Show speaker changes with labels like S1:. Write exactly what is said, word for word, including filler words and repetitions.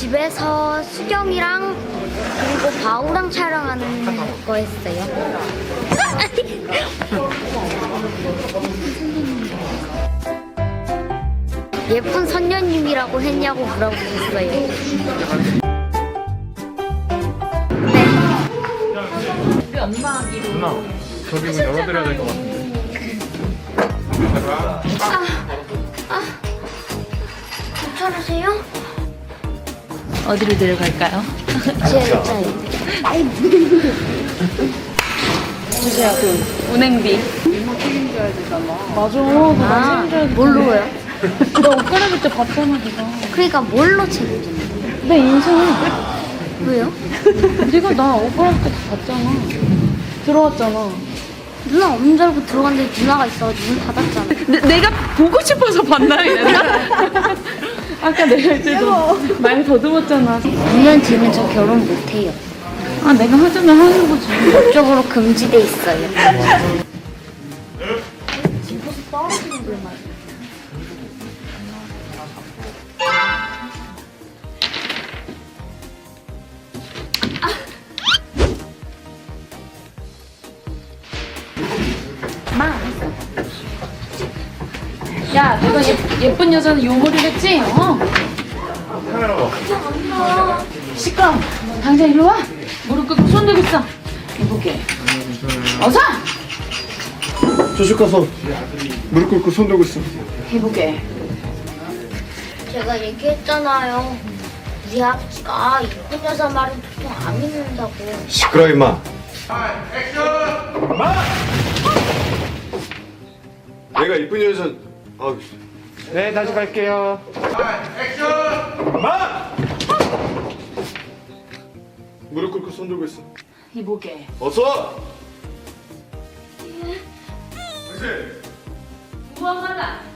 S1: 집에서 수경이랑 그리고 바우랑 촬영하는 거 했어요. 예쁜 선녀님이라고 했냐고 물어보셨어요. 네.
S2: 누나, 저기 문 열어드려야 될 것 같은데.
S1: 아, 아, 괜찮으세요?
S3: 어디로 데려갈까요?
S1: 제 의자에.
S3: 주세요, 그 운행비. 맞아,
S1: 아, 뭘로요?
S3: 너 옷 갈아입을 때 봤잖아, 네가.
S1: 그러니까 뭘로 책임지는
S3: 내 인생.
S1: 왜요?
S3: 네가 나 옷 갈아입을 때 봤잖아. 들어왔잖아.
S1: 누나 없는 줄 알고 들어갔는데 누나가 있어가지고 문 닫았잖아.
S3: 내, 내가 보고 싶어서 봤나, 이랬나? 아까 내가 이제 말 더듬었잖아.
S1: 이 년 뒤면 저 결혼 못해요.
S3: 아, 내가 하자면 하는 거지.
S1: 법적으로 금지돼 있어요.
S3: 야, 내가 예, 예쁜 여자는 요 머리를 했지? 어?
S2: 카메라 봐.
S3: 시끄러. 당장 일로 와. 무릎 꿇고 손 들고 있어. 해보게. 어서!
S2: 저쪽 가서 무릎 꿇고 손 들고 있어.
S3: 해보게.
S1: 제가 얘기했잖아요. 우리 아버지가 이쁜 여자 말은 보통 안 믿는다고.
S2: 시끄러 임마. 내가 이쁜 여자. 아, 네 다시 갈게요. 액션. 마. 무릎 꿇고 손 들고 있어.
S3: 해보게.
S2: 어서. 그렇지.
S3: 무엄하다.